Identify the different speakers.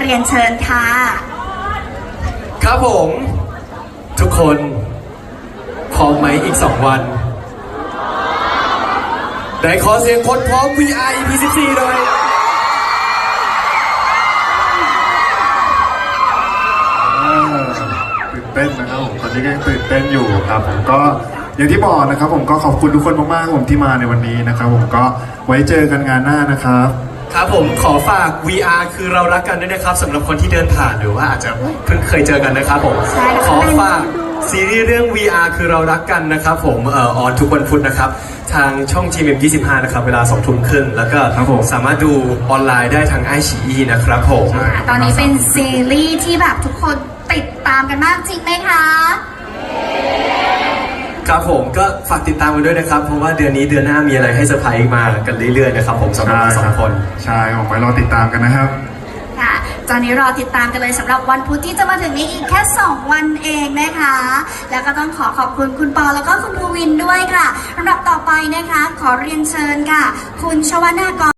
Speaker 1: เรียนเชิญค่ะ
Speaker 2: ครับผมทุกคนพร้อมไหมอีก2 วันได้ขอเสียงคนพร้อม VR EP 14หน่อย
Speaker 3: ตื่นเต้นนะครับผมตอนนี้ก็ยังตื่นเต้นอยู่ครับผมก็อย่างที่บอกนะครับผมก็ขอบคุณทุกคนมากๆผมที่มาในวันนี้นะครับผมก็ไว้เจอกันงานหน้านะครับ
Speaker 2: ครับผมขอฝาก VR คือเรารักกันด้วยนะครับสำหรับคนที่เดินผ่านหรือว่าอาจจะเพิ่งเคยเจอกันนะครับผมขอฝากซีรีส์เรื่อง VR คือเรารักกันนะครับผมออนทุกวันพุธนะครับทางช่อง GMM25 นะครับเวลา 20:30 แล้วก็สามารถดูออนไลน์ได้ทางiQIYI นะครับผม
Speaker 1: ตอนนี้เป็นซีรีส์ที่แบบทุกคนติดตามกันมากจริงไหมคะ
Speaker 2: ครับผมก็ฝากติดตามกันด้วยนะครับเพราะว่าเดือนนี้เดือนหน้ามีอะไรให้เซอร์ไพรส์มากันเรื่อยๆนะครับผมสำหรับเรา2 คน
Speaker 3: ใช่ผมไปรอติดตามกันนะครับ
Speaker 1: ค่ะตอนนี้รอติดตามกันเลยสำหรับวันพุธที่จะมาถึงนี้อีกแค่2 วันเองนะคะแล้วก็ต้องขอบคุณคุณปอแล้วก็คุณภูวินด้วยค่ะลำดับต่อไปนะคะขอเรียนเชิญค่ะคุณชวนากร